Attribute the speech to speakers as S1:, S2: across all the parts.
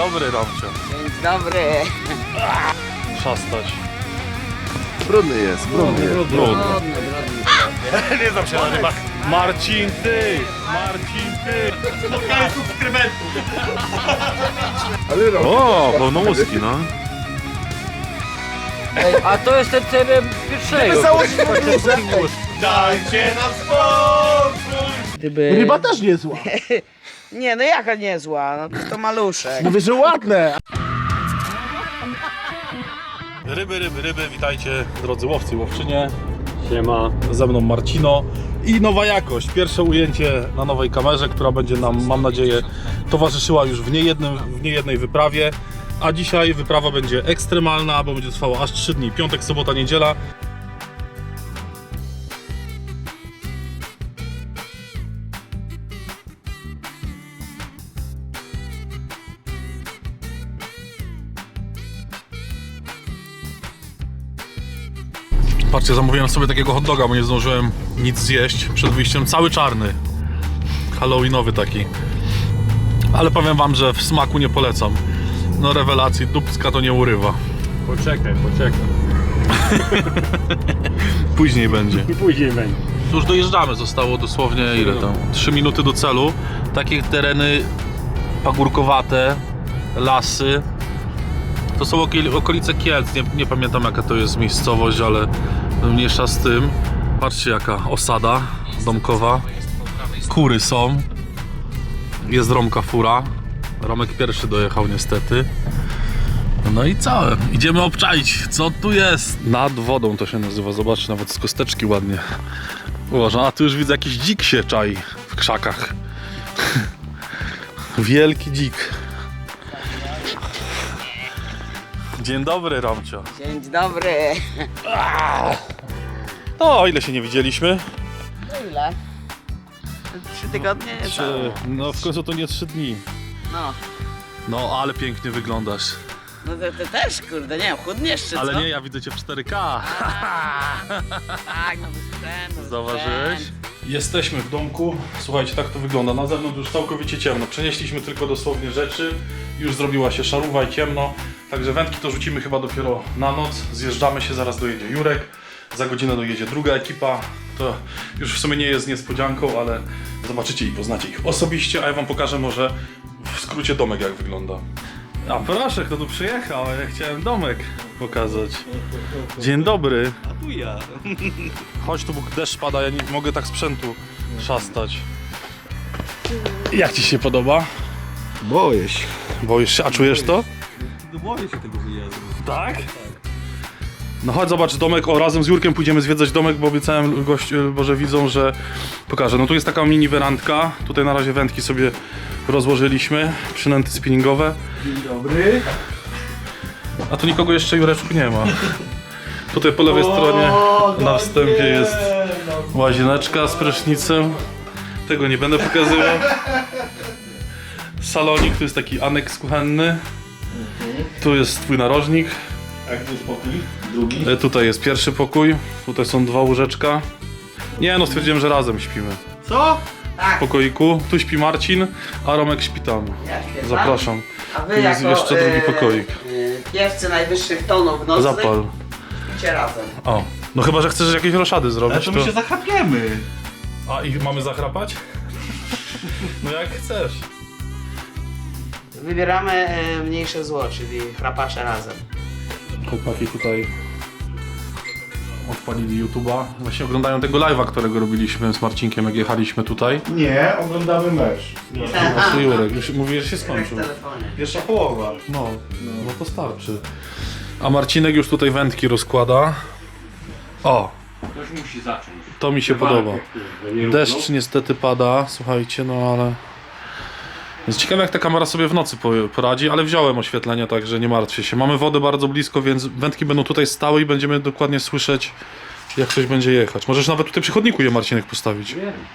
S1: dobry, Romcio.
S2: Dzień dobry.
S1: Szastać.
S3: Brudny jest, brudny jest.
S1: Brudny.
S3: Nie znam się na rybach.
S1: Marcin, ty! Marcin, ty!
S3: Spotkanie subskrybentów. Ale rok.
S1: O, pełnołuski, no.
S2: Ej, a to jest ten teren pierwszego.
S3: Dajcie nam spokój.
S2: Gdyby...
S4: Ryba też nie zła.
S2: Nie, no jaka niezła, no to maluszek.
S4: Mówię, że ładne.
S1: Ryby, witajcie drodzy łowcy i łowczynie. Siema. Ze mną Marcino i nowa jakość. Pierwsze ujęcie na nowej kamerze, która będzie nam, mam nadzieję, towarzyszyła już w niejednej wyprawie. A dzisiaj wyprawa będzie ekstremalna, bo będzie trwała aż 3 dni. Piątek, sobota, niedziela. Patrzcie, zamówiłem sobie takiego hot doga, bo nie zdążyłem nic zjeść przed wyjściem. Cały czarny. Halloweenowy taki. Ale powiem wam, że w smaku nie polecam. No rewelacji, dupska to nie urywa.
S5: Poczekaj.
S1: Później będzie.
S5: I później będzie.
S1: Już dojeżdżamy, zostało dosłownie ile tam? 3 minuty do celu. Takie tereny pagórkowate, lasy. To są okolice Kielc, nie pamiętam jaka to jest miejscowość, ale mniejsza z tym. Patrzcie jaka osada domkowa. Kury są. Jest Romka fura. Romek pierwszy dojechał niestety. No i całe. Idziemy obczaić, co tu jest. Nad wodą to się nazywa, zobaczcie, nawet z kosteczki ładnie ułożone. A tu już widzę jakiś dzik się czai w krzakach. Wielki dzik. Dzień dobry, Romcio.
S2: Dzień dobry.
S1: O ile się nie widzieliśmy?
S2: Ile? 3 tygodnie?
S1: No w końcu to nie 3 dni.
S2: No.
S1: No ale pięknie wyglądasz.
S2: No to też, kurde, nie wiem, chudniesz czy
S1: Ale
S2: co?
S1: nie, ja widzę cię w 4K.
S2: Tak, no bez sprzętu.
S1: Zauważyłeś? Jesteśmy w domku. Słuchajcie, tak to wygląda. Na zewnątrz już całkowicie ciemno. Przenieśliśmy tylko dosłownie rzeczy. Już zrobiła się szaruwa i ciemno. Także wędki to rzucimy chyba dopiero na noc. Zjeżdżamy się, zaraz dojedzie Jurek. Za godzinę dojedzie druga ekipa. To już w sumie nie jest niespodzianką, ale zobaczycie i poznacie ich osobiście. A ja wam pokażę może w skrócie domek jak wygląda. A proszę, kto tu przyjechał? Ja chciałem domek pokazać. Dzień dobry.
S5: A tu ja.
S1: Chodź tu, bo deszcz pada, ja nie mogę tak sprzętu szastać. Jak ci się podoba?
S3: Boję się.
S1: Boisz się, a czujesz to?
S5: No boję się tego wyjazdu.
S1: Tak? No chodź zobacz domek, o razem z Jurkiem pójdziemy zwiedzać domek, bo obiecałem że widzą, że pokażę. No tu jest taka mini werandka, tutaj na razie wędki sobie rozłożyliśmy, przynęty spinningowe.
S3: Dzień dobry.
S1: A tu nikogo jeszcze, Jureczku, nie ma. Tutaj po lewej stronie na wstępie jest łazieneczka z prysznicem. Tego nie będę pokazywał. Salonik, tu jest taki aneks kuchenny. Tu jest twój narożnik.
S3: A gdzie jest pokój? Drugi?
S1: Tutaj jest pierwszy pokój. Tutaj są 2 łóżeczka. Nie no, stwierdziłem, że razem śpimy.
S3: Co?
S1: W pokoiku. Tu śpi Marcin, a Romek śpi tam.
S2: Ja śpię tam.
S1: Zapraszam.
S2: A wy
S1: Tu jest
S2: jako,
S1: jeszcze drugi pokoik.
S2: Piewcy najwyższych tonów nocnych
S1: Zapal.
S2: śpicie razem.
S1: O. No chyba, że chcesz jakieś roszady zrobić,
S3: Ale to my się zachapiemy.
S1: A i mamy zachrapać? No jak chcesz.
S2: Wybieramy mniejsze zło, czyli chrapacze razem.
S1: Chłopaki tutaj odpalili YouTube'a. Właśnie oglądają tego live'a, którego robiliśmy z Marcinkiem, jak jechaliśmy tutaj.
S3: Nie, oglądamy mecz.
S1: Właśnie Jurek, już mówi, że się skończył.
S2: W telefonie.
S3: Pierwsza połowa.
S1: No to starczy. A Marcinek już tutaj wędki rozkłada. O,
S5: Ktoś musi zacząć.
S1: to mi się podoba. Deszcz niestety pada, słuchajcie, no ale... Jest ciekawe jak ta kamera sobie w nocy poradzi, ale wziąłem oświetlenie, także nie martwcie się. Mamy wodę bardzo blisko, więc wędki będą tutaj stały i będziemy dokładnie słyszeć, jak coś będzie jechać. Możesz nawet tutaj przy chodniku je, Marcinek, postawić.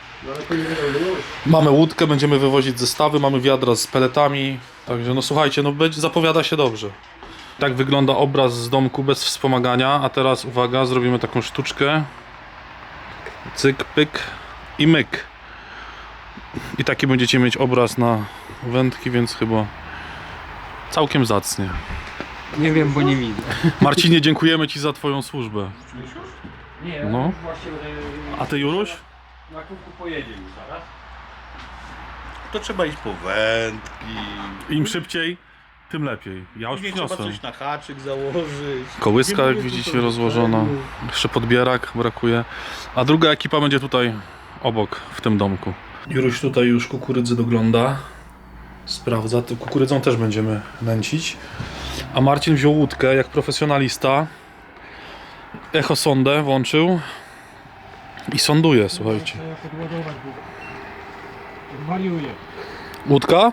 S1: Mamy łódkę, będziemy wywozić zestawy, mamy wiadra z peletami, także no słuchajcie, no zapowiada się dobrze. Tak wygląda obraz z domku bez wspomagania, a teraz uwaga, zrobimy taką sztuczkę. Cyk, pyk i myk. I taki będziecie mieć obraz na wędki, więc chyba Całkiem zacnie.
S5: Nie wiem, bo nie widzę.
S1: Marcinie, dziękujemy Ci za Twoją służbę.
S5: Nie,
S1: No.
S5: no. Właśnie
S1: A Ty, Juruś?
S5: na kółku pojedzie już zaraz.
S3: To trzeba iść po wędki.
S1: Im szybciej, tym lepiej. Ja już
S3: Później trzeba
S1: przyniosłem.
S3: coś na haczyk założyć.
S1: Kołyska, jak widzicie, rozłożona. Jeszcze podbierak brakuje. A druga ekipa będzie tutaj obok, w tym domku. Juruś tutaj już kukurydzy dogląda. Sprawdza. To kukurydzą też będziemy nęcić. A Marcin wziął łódkę jak profesjonalista. Echosondę włączył. I sonduje, słuchajcie.
S5: Ja podładować, bo wariuję.
S1: Łódka?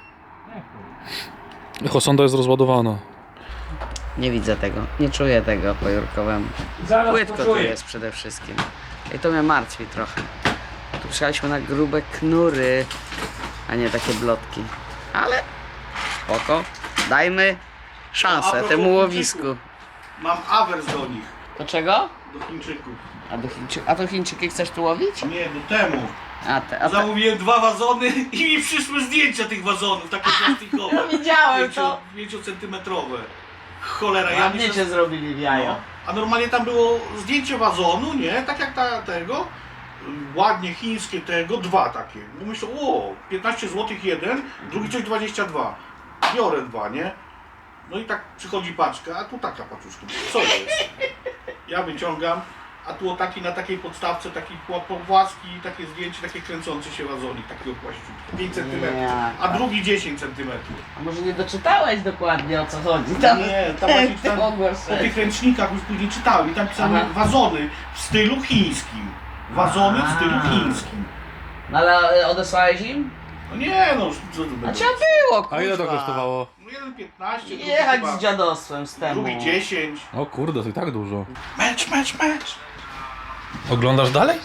S1: Echosonda jest rozładowana.
S2: Nie widzę tego, nie czuję tego po Jurkowemu.
S5: Zaraz
S2: Płytko tu
S5: poczuję.
S2: jest przede wszystkim. I to mnie martwi trochę. Tu przyjechaliśmy na grube knury, a nie takie blotki. Ale spoko, dajmy szansę
S3: propos
S2: temu łowisku.
S3: Mam awers do nich,
S2: Do czego?
S3: do Chińczyków.
S2: A to Chińczyki chcesz tu łowić?
S3: Nie, do temu.
S2: A
S3: Zamówiłem 2 wazony i mi przyszły zdjęcia tych wazonów, takie plastikowe.
S2: Widziałem to.
S3: 5-centymetrowe. Cholera, ja
S2: Ładnie cię
S3: myślę...
S2: zrobili w jajo.
S3: No. A normalnie tam było zdjęcie wazonu, nie? Tak jak tego. Ładnie chińskie tego, 2 takie. No myślę, o, 15 zł jeden, drugi coś 22. Biorę 2, nie? No i tak przychodzi paczka, a tu taka paczuszka. Co jest? Ja wyciągam, a tu o taki na takiej podstawce, taki płaski, takie zdjęcie, takie kręcące się wazonik, takiego płaściutki. 5 cm, a drugi 10 cm.
S2: A może nie doczytałeś dokładnie o co chodzi? Tam
S3: Nie, tam właśnie tam,
S2: mogłeś
S3: o tych ręcznikach już później czytałem i tam pisano
S2: Aha.
S3: wazony w stylu chińskim. Wazony w stylu chińskim.
S2: No ale odesłałeś im?
S3: No nie no, co to
S2: A
S3: będzie?
S2: trzeba było, kurwa.
S1: A ile to kosztowało?
S3: No jeden 15, drugi
S2: Jechać
S3: chyba,
S2: z dziadostwem z temu.
S3: drugi 10.
S1: O kurde, to i tak dużo.
S3: Mecz!
S1: Oglądasz dalej?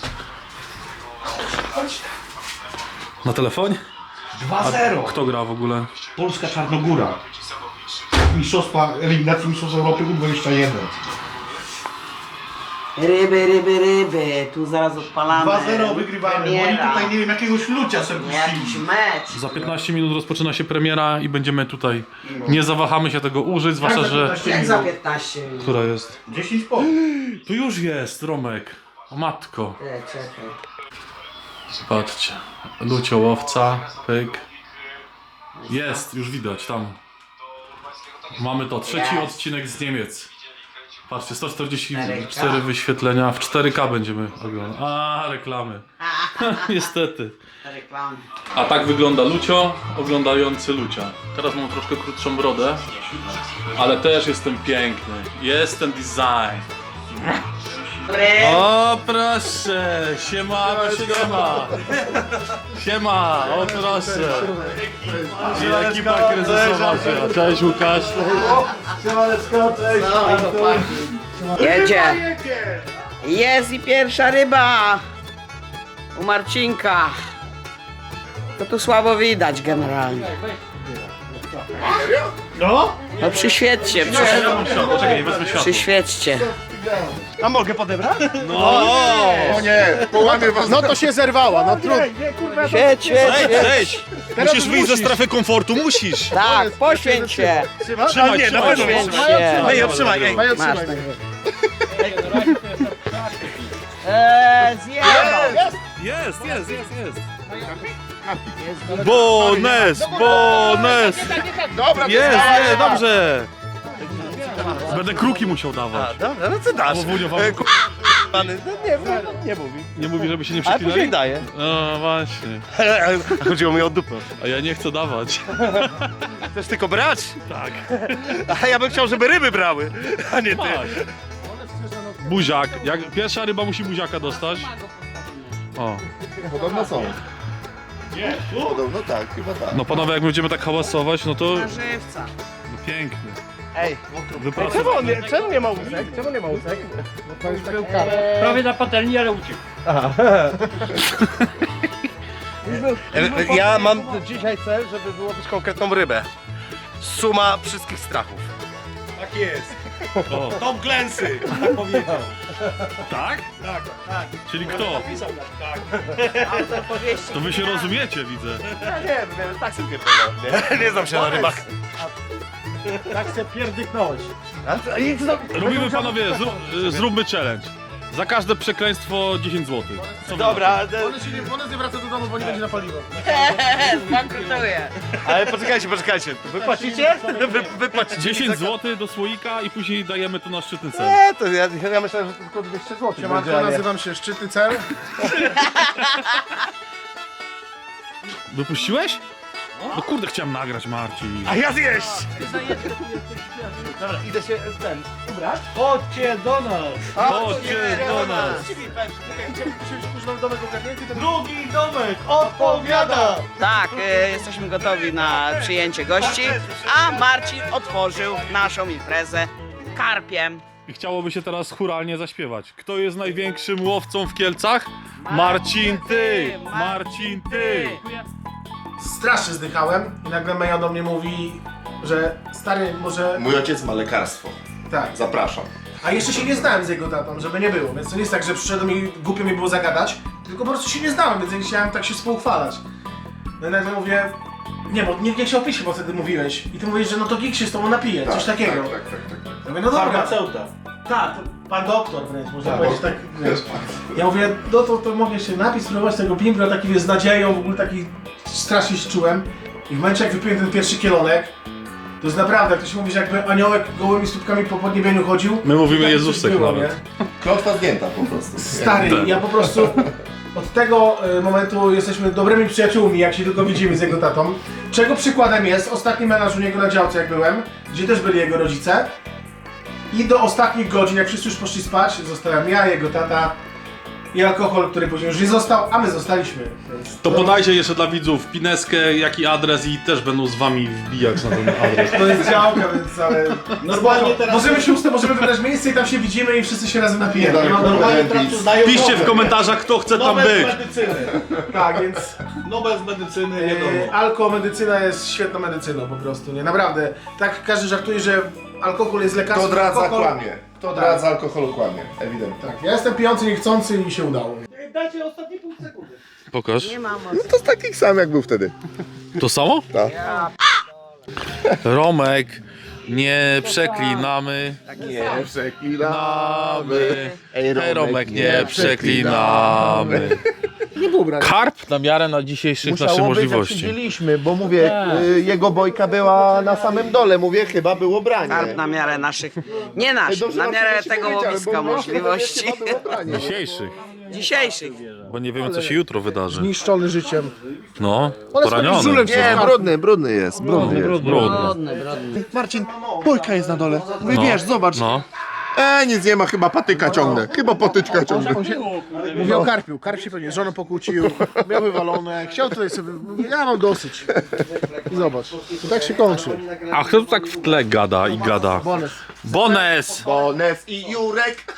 S1: Na telefonie?
S3: 2-0.
S1: Kto gra w ogóle?
S3: Polska Czarnogóra. Mistrzostwa, eliminacji Mistrzostw Europy U21.
S2: Ryby, tu zaraz odpalamy.
S3: 2-0 wygrywamy, bo oni
S2: Premiera.
S3: tutaj nie wiem, jakiegoś lucia sobie
S2: Jakiś
S3: puścili.
S2: mecz.
S1: Za 15 minut rozpoczyna się premiera i będziemy tutaj. Nie zawahamy się tego użyć, zwłaszcza, że...
S2: Jak za 15 minut?
S1: Która jest?
S3: 10 po.
S1: Tu już jest, Romek. O matko.
S2: Czekaj.
S1: Patrzcie. Luciołowca, pyk. Jest, już widać tam. Mamy to, trzeci odcinek z Niemiec. Patrzcie, 144 wyświetlenia, w 4K będziemy oglądać. A, reklamy. Niestety.
S2: Reklamy.
S1: A tak wygląda Lucio, oglądający Lucia. Teraz mam troszkę krótszą brodę, ale też jestem piękny. Jest ten design.
S2: Dobry.
S1: O proszę, siema, siema. Siema, o proszę. I ekipa kryzysowa. Cześć Łukasz.
S2: No, chłopaki. Jedzie. Jest i pierwsza ryba. U Marcinka. To tu słabo widać generalnie.
S3: No?
S2: No przyświećcie,
S1: Poczekaj, wezmę światło.
S2: przyświećcie.
S4: A mogę podebrać?
S1: No,
S4: O nie, połamie was. No to się zerwała, no trudno.
S2: Świeć, świeć, świeć.
S4: Cześć! Musisz wyjść ze strefy komfortu, musisz!
S2: Tak, poświęć się.
S4: Trzymaj, nie, na pewno
S2: Poświęć
S4: trzymaj.
S2: się.
S4: Ej, trzymaj, ej.
S2: Masz. Zjebał.
S1: jest.
S4: Bones! Dobra,
S1: Jest, dobrze. Będę kruki musiał dawać.
S4: Dobra, no co dasz? Pany, no nie mówi.
S1: Nie mówi, żeby się nie
S4: Ale później
S1: przeklinali?
S4: daje.
S1: No właśnie.
S4: A chodziło mi o dupę.
S1: A ja nie chcę dawać.
S4: Chcesz tylko brać?
S1: Tak.
S4: A ja bym chciał, żeby ryby brały, a nie ty.
S1: Tak. Buziak. Jak pierwsza ryba musi buziaka dostać. O.
S4: Podobno są. Nie, podobno tak, chyba tak.
S1: No panowie, jak będziemy tak hałasować, no to
S2: Żywca.
S1: no, piękny.
S4: Ej,
S1: Wypracowany.
S4: czemu nie ma łusek? Czemu nie ma łusek? Bo to już był karp.
S5: Prawie na patelni, ale uciekł.
S4: Ja mam dzisiaj cel, żeby wyłowić konkretną rybę. Suma wszystkich strachów.
S3: Tak jest.
S1: O.
S3: Tom Clancy, tak powiedział.
S1: Tak?
S3: Tak, tak.
S1: Czyli kto?
S3: Napisał tak.
S2: Autor powieści.
S1: To wy się rozumiecie, widzę.
S4: Tak sobie pierdolę. Nie znam się na rybach.
S3: Tak chcę pierdyknąć.
S1: Robimy, panowie, zróbmy challenge. Za każde przekleństwo 10 zł.
S4: Dobra,
S3: Ona nie wraca do domu, bo nie będzie na paliwo.
S2: Zbankrutuje.
S4: ale poczekajcie. Wypłacicie? Wypłacicie.
S1: 10 zł do słoika i później dajemy to na szczytny cel.
S4: Nie, to ja myślałem, że to tylko 200 zł.
S3: Siemanko, nazywam się Szczytny Cel.
S1: Wypuściłeś? No kurde, chciałem nagrać, Marcin.
S4: A ja zjeść! Dobra, idę się ubrać.
S3: Chodźcie do nas.
S1: Chodźcie do nas.
S3: Drugi domek odpowiada.
S2: Tak, jesteśmy gotowi na przyjęcie gości, a Marcin otworzył naszą imprezę karpiem.
S1: I chciałoby się teraz chóralnie zaśpiewać. Kto jest największym łowcą w Kielcach? Marcin, ty! Marcin, ty!
S3: Strasznie zdychałem i nagle Meja do mnie mówi, że stary, może...
S4: Mój ojciec ma lekarstwo.
S3: Tak.
S4: Zapraszam.
S3: A jeszcze się nie znałem z jego tatą, żeby nie było, więc to nie jest tak, że przyszedłem i głupio mi było zagadać, tylko po prostu się nie znałem, więc ja nie chciałem tak się współuchwalać. No i nagle mówię, nie, bo nie chciał pić, bo wtedy mówiłeś. I ty mówisz, że no to Gig się z tobą napije, coś takiego.
S4: Tak.
S3: Ja mówię, no dobra. Farmaceuta. Tak, to pan doktor wręcz, można powiedzieć tak, wiesz. Ja mówię, no to mogę się napić, spróbować tego bimbra, taki wiesz, z nadzieją, w ogóle taki strasznie się czułem. I w momencie jak wypiłem ten pierwszy kielonek, to jest naprawdę, jak to się mówi, że jakby aniołek gołymi stópkami po podniebieniu chodził.
S1: My mówimy
S3: tak
S1: Jezusek
S3: coś było,
S1: nawet.
S3: nie?
S4: Klątwa zdjęta po prostu.
S3: Stary, ja po prostu od tego momentu jesteśmy dobrymi przyjaciółmi, jak się tylko widzimy z jego tatą. Czego przykładem jest ostatni menaż u niego na działce, jak byłem, gdzie też byli jego rodzice. I do ostatnich godzin, jak wszyscy już poszli spać, zostałem ja, jego tata i alkohol, który później już nie został, a my zostaliśmy. Więc
S1: To podajcie jeszcze dla widzów pineskę, jaki adres i też będą z wami wbijać na ten adres.
S3: to jest działka, więc ale... Normalnie teraz... Możemy wybrać miejsce i tam się widzimy i wszyscy się razem napijemy.
S4: Nie,
S3: Normalnie teraz tu zdają
S1: Piszcie w komentarzach, kto chce tam być.
S3: medycyny. Tak, więc...
S6: Nobel z medycyny, wiadomo.
S3: Alkomedycyna jest świetną medycyną po prostu, nie? Naprawdę. Tak każdy żartuje, że alkohol jest lekarstwem.
S4: Kto dradza,
S3: alkohol...
S4: kłamie. Kto dradza alkoholu, kłamie. Ewidentnie.
S3: Tak, ja jestem pijący, niechcący i mi się udało.
S6: Dajcie ostatnie pół sekundy.
S1: Pokaż.
S2: Nie mam
S4: No to z takich sam jak był wtedy.
S1: To samo?
S2: Ja
S1: Romek, nie przeklinamy.
S4: Nie przeklinamy.
S1: Namy.
S4: Ej,
S1: Hej, Romek, nie przeklinamy.
S3: Nie było brania.
S1: Karp na miarę na dzisiejszych naszych
S4: Jak
S1: możliwości.
S4: siedzieliśmy, bo mówię, jego bojka była na samym dole, mówię, chyba było branie.
S2: karp na miarę naszych, nie naszych,
S4: Dobrze,
S2: na
S4: że
S2: miarę
S4: się
S2: tego
S4: powiedziałem,
S2: łowiska
S4: bo
S2: możliwości.
S4: chyba było branie.
S1: Dzisiejszych,
S2: Dzisiejszych.
S1: bo nie wiemy co się jutro wydarzy.
S3: Niszczony życiem.
S1: No,
S3: Ale
S1: poraniony.
S3: żulem
S4: Nie, brudny jest.
S1: Brudny.
S2: Brodny, brodny.
S4: Marcin, bojka jest na dole. Mówię, wiesz, zobacz.
S1: No.
S4: Nic nie ma, chyba patyka ciągnę. Chyba patyczka ciągnę.
S3: Mówię o karpiu. Karp się pewnie z żoną pokłócił, miał wywalone, chciał tutaj sobie... Mówię, ja mam dosyć. I zobacz, to tak się kończy.
S1: A kto tu tak w tle gada i gada?
S3: Bonus.
S1: Bones!
S4: Bones i Jurek.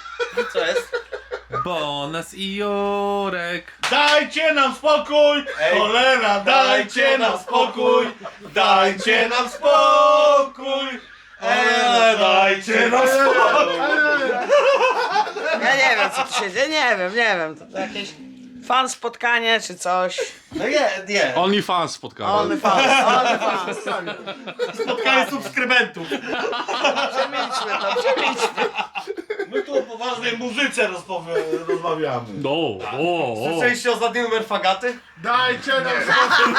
S1: Bones i Jurek.
S6: Dajcie nam spokój! Cholera, dajcie nam spokój! Dajcie nam spokój! Dajcie nam spokój!
S2: Ja nie wiem co tu się dzieje, nie wiem. To jakieś fan spotkanie czy coś.
S6: No nie.
S1: OnlyFans spotkanie.
S2: Only fans.
S6: Spotkanie subskrybentów.
S2: Przemilczmy to, przemilczmy.
S6: My tu o poważnej muzyce rozmawiamy.
S1: O.
S6: Słyszeliście ostatni numer Fagaty?
S3: Dajcie nam spokój.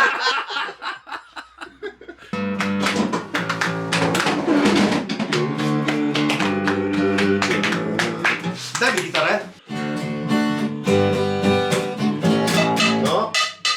S6: Daj mi gitarę.
S4: No.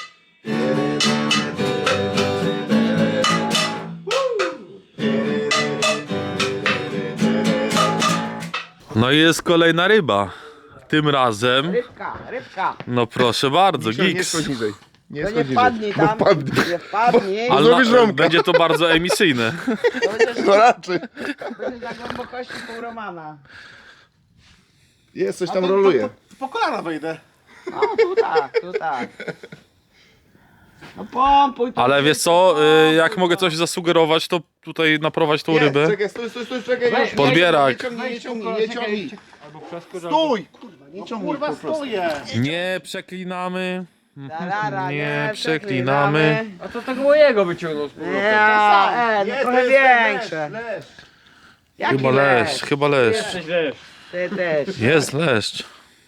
S1: No i jest kolejna ryba. Tym razem,
S2: Rybka.
S1: no proszę bardzo,
S4: Nie
S1: Gigs.
S4: schodź niżej. Nie
S2: To
S4: schodź
S2: nie
S4: niżej.
S2: wpadnij
S4: Bo
S2: tam.
S4: wpadnie.
S2: Nie wpadnij.
S1: Ale
S4: Zrobisz rąbka.
S1: będzie to bardzo emisyjne.
S4: No raczej.
S2: Będzie na głębokości pół Romana.
S4: Jest, coś tam roluje.
S3: Po kolana wejdę.
S2: No tu tak. No pompuj to.
S1: Ale wiesz co, jak mogę coś zasugerować, to tutaj naprowadź tą rybę.
S4: Czekaj, stój, czekaj.
S2: Weź,
S4: już.
S1: Podbierak.
S4: Nie ciągnij. Stój! Kurwa, nie ciągnij
S3: Kurwa,
S4: po prostu.
S3: stoję.
S1: Nie przeklinamy.
S2: Tarara,
S1: Nie przeklinamy.
S5: A to tego mojego wyciągnął z powrotem.
S2: Ja,
S4: Nie,
S2: no
S4: to
S2: trochę
S4: jest
S2: większe.
S4: leszcz.
S2: Jaki
S1: Chyba leszcz, chyba leszcz.
S5: Jesteś lesz.
S2: Ty też.
S1: Jest leszcz.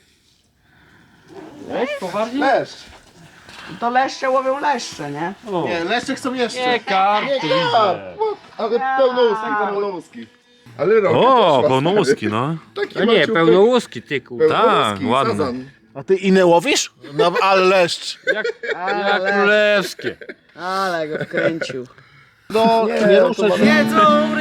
S5: Lesz? Poważnie?
S4: Leszcz.
S2: To leszcze łowią leszcze, nie?
S5: O.
S3: Nie, leszcze chcą jeszcze.
S5: Nie, karp to widzę.
S4: Ale pełnouski. Ale robi
S1: O, pełnołuski, no.
S4: Taki
S5: No nie,
S4: maciuchy.
S5: pełnołuski, ty kurwa.
S1: Tak, ładny.
S4: sazan.
S3: A ty inne łowisz? No, ale leszcz.
S5: Jak królewskie.
S2: Ale go wkręcił.
S3: No, nie ruszaj się.
S2: Jedzą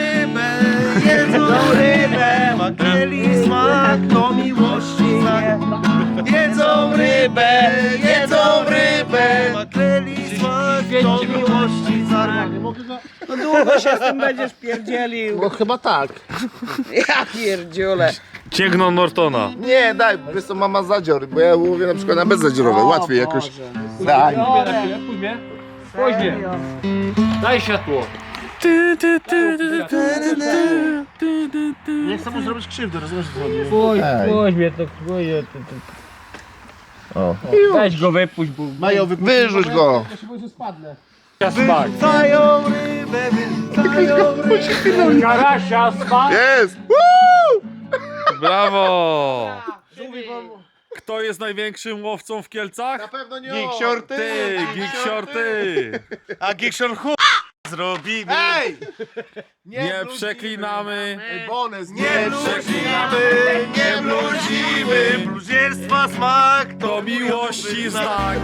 S2: rybę, makreli smak to miłości znak. Jedzą rybę, makreli smak to miłości znak. No długo się z tym będziesz pierdzielił.
S3: No chyba tak.
S2: Ja pierdziule.
S1: Cięgną Nortona.
S4: Nie, daj, wiesz co, mama zadzior, bo ja łowię na przykład na bezzadziorowe, łatwiej jakoś. Daj.
S5: Pójdź mnie. Pójdź mnie. Daj światło.
S3: Nie chcę mu zrobić krzywdy, rozumiesz co chodzi?
S5: Pójdź mnie, to pójdź.
S4: O.
S5: Weź go wypuść, bo
S3: Mają
S4: Wyrzuć go.
S3: Ja się boję, że spadnę.
S5: ja smak.
S2: Wyrzucają rybę,
S5: Karasia smak.
S4: Jest!
S1: Brawo! Kto jest największym łowcą w Kielcach?
S4: Na pewno nie
S3: Giksior,
S1: Ty, Giksior, ty!
S3: A Giksior zrobimy. Ej!
S1: Nie przeklinamy.
S4: Bonus,
S3: Nie bluzimy, nie bluzimy, bluzierstwa smak
S1: To miłości znak.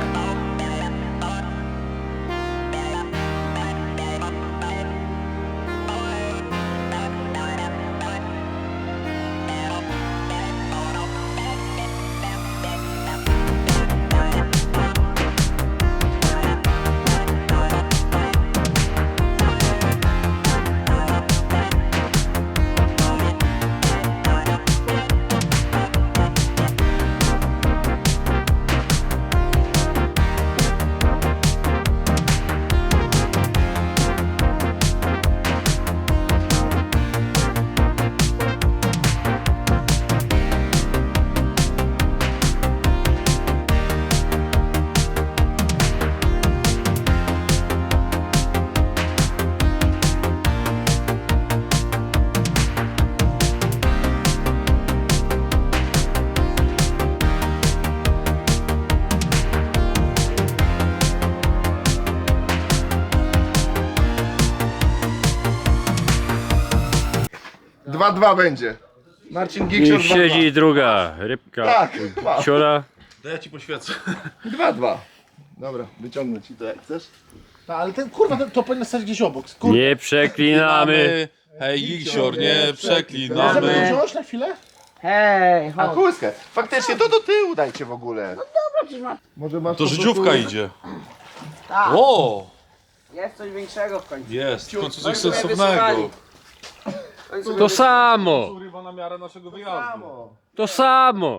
S4: Dwa będzie. Marcin
S5: I
S4: Giksior 2-2.
S5: siedzi druga rybka.
S4: Tak, dwa.
S5: Siora.
S1: To ja ci poświecę.
S4: 2-2. Dobra, wyciągnę ci to jak chcesz.
S3: No, ale ten kurwa, to powinien stać gdzieś obok. Kurwa.
S5: Nie przeklinamy.
S1: Hej, Giksior, nie
S3: Możemy
S1: przeklinamy.
S3: wziąć na chwilę?
S2: Hej,
S4: A
S2: chodź.
S4: kłyskę. Faktycznie to do tyłu dajcie w ogóle. Może masz
S1: To
S4: po
S1: życiówka
S4: prostu-
S1: idzie.
S2: Tak,
S1: O!
S2: jest coś większego w końcu.
S1: Jest, w końcu coś
S2: Końcu mnie
S1: sensownego.
S2: wysłali. W końcu mnie
S5: To samo.
S1: Ryba na miarę naszego wyjazdu.
S5: To samo.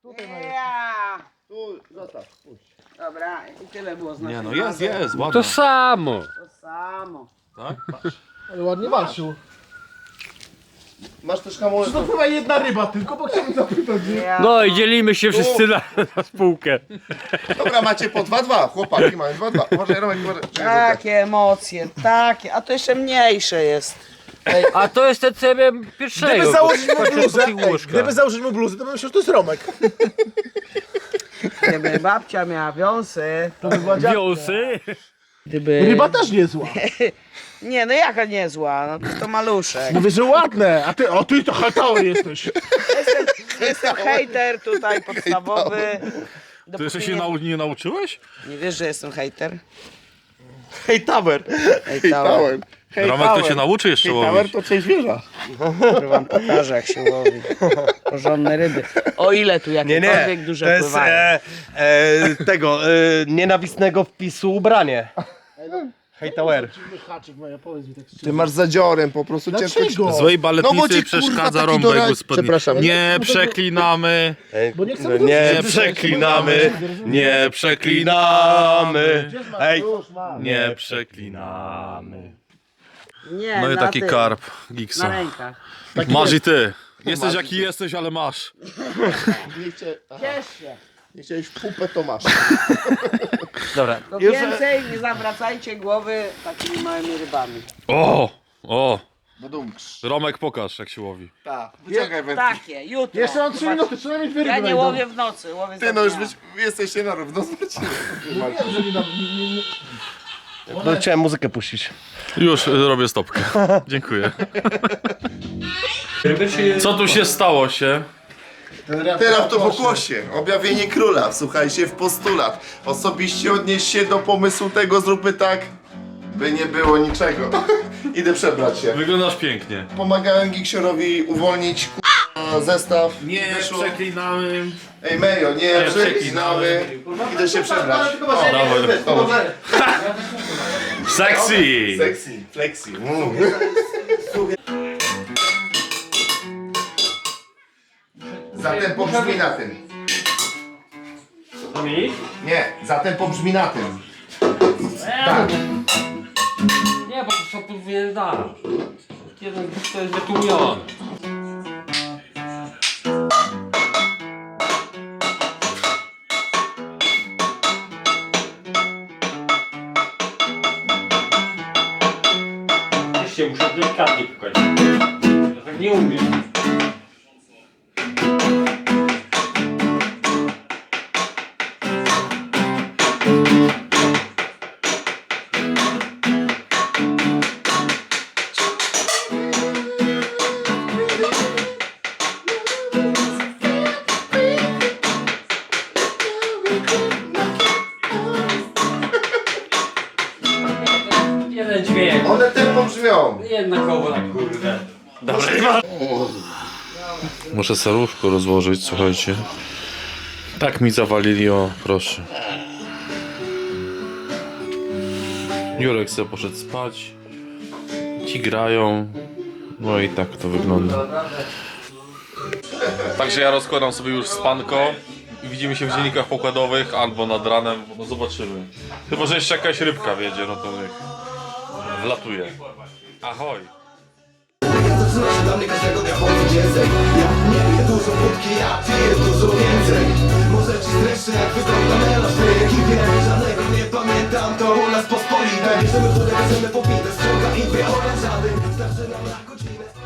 S2: Ja.
S4: Tu, zostaw. Puść.
S2: Dobra, i tyle było z
S1: Nie
S2: naszej
S1: no, jest,
S2: bazy.
S1: jest, ładnie.
S5: To samo.
S2: To samo.
S1: Tak?
S3: Ale ładnie walczył.
S4: Masz też hamulec.
S3: To chyba jedna ryba tylko, bo chciałbym zapytać.
S2: Ja.
S5: No i dzielimy się wszyscy na spółkę.
S4: Dobra, macie po 2-2. Chłopaki mają 2-2. Uważaj, Romek, uważaj.
S2: Takie emocje, takie, a to jeszcze mniejsze jest.
S5: A to jest ten, co ja miałem pierwszego.
S3: Gdyby założyć mu
S5: Patrzę,
S3: bluzę,
S5: póki łyżka.
S3: gdyby założyć mu bluzę, to bym myślał, że to jest Romek.
S2: Gdyby babcia miała wiązy,
S3: To by była dziadka.
S5: Wiosy.
S2: gdyby...
S3: Ryba też niezła.
S2: Nie, no jaka niezła, no to maluszek.
S3: Mówię, że ładne, a ty, o ty to hatały jesteś.
S2: Jestem hejter tutaj podstawowy.
S1: Ty jeszcze
S2: Dopóki
S1: się nie nauczyłeś?
S2: nie wiesz, że jestem hejter?
S3: Hej Tower.
S2: Hejtałem.
S1: Romek to cię nauczy jeszcze łowić.
S3: to część wieża.
S2: To wam pokażę, jak się łowi. Porządne ryby. O ile tu jakiekolwiek duże
S7: to jest
S2: pływają.
S7: tego nienawistnego wpisu ubranie. Hej Tower.
S3: Haczyk moja, powiedz mi tak szczerze.
S4: Ty masz zadziorem, po prostu ciężko ci...
S3: Dlaczego?
S1: Złej
S4: No bo
S1: baletnicy
S4: ci,
S1: przeszkadza
S4: kurwa, taki
S1: rąbek
S4: dorad-
S1: gospodni.
S4: Przepraszam.
S1: Nie przeklinamy.
S3: Bo nie chcę
S7: Nie
S3: wrócić.
S7: przeklinamy, nie przeklinamy. Hej,
S3: Już mam.
S1: Nie przeklinamy.
S2: Nie,
S1: No i
S2: na
S1: taki
S2: tym,
S1: karp
S2: Na
S1: Giksa.
S2: rękach.
S1: Masz i ty. Jesteś jaki jesteś, ale masz.
S4: Nie,
S2: Ciesz się.
S4: nie chciałeś w pupę, to masz.
S7: Dobra.
S2: To więcej nie zawracajcie głowy takimi małymi rybami.
S1: O!
S4: Badumcz.
S1: Romek, pokaż jak się łowi.
S4: Tak, wyciągaj wędkę.
S2: Takie, jutro.
S5: Jeszcze mam 3 minuty, przynajmniej 2 ryby
S2: Ja nie
S5: wejdą.
S2: łowię w nocy, łowię
S4: Ty
S2: za
S4: no już
S2: dnia.
S4: jesteście na równo z Marcinem.
S7: No, chciałem muzykę puścić.
S1: Już robię stopkę. Dziękuję. Co tu się stało się?
S4: Teraz to pokłosie. Objawienie króla. Wsłuchajcie w postulat. Osobiście odnieś się do pomysłu tego, zróbmy tak, by nie było niczego. Idę przebrać się.
S1: Wyglądasz pięknie.
S4: Pomagałem Giksiorowi uwolnić zestaw.
S1: Nie
S4: Wyszło.
S1: przeklinamy.
S4: Ej Mejo, nie przeklinamy. Idę się przebrać. O,
S1: Dawaj. Sexy!
S4: sexy, flexi. Zatem pobrzmi na tym. Nie, zatem pobrzmi na tym. Tak.
S8: Nie, bo to są podwójne dane. Jeden to jest wytłumiony. Jeszcze muszę delikatnie pukać. Ja tak nie umiem. Jeden dźwięk.
S4: One tempo brzmią.
S8: Jednakowo na kurde.
S1: Muszę salówkę rozłożyć, słuchajcie. Tak mi zawalili, o proszę. Jurek sobie poszedł spać. Ci grają. No i tak to wygląda. Także ja rozkładam sobie już spanko. I widzimy się w dziennikach pokładowych albo nad ranem, no zobaczymy. Chyba, że jeszcze jakaś rybka wiedzie, no to niech wlatuje. Ahoj!
S9: Zaczyna się dla mnie każdego dnia poniedziałek. Ja nie piję dużo wódki, ja piję dużo więcej. Może ci streszczę jak wygląda melanż w tej ekipie. Żadnego nie pamiętam, to u nas pospolite. Bierzemy wódę, bierzemy popite, ściąga i dwie oranżady. Starczy nam na godzinę.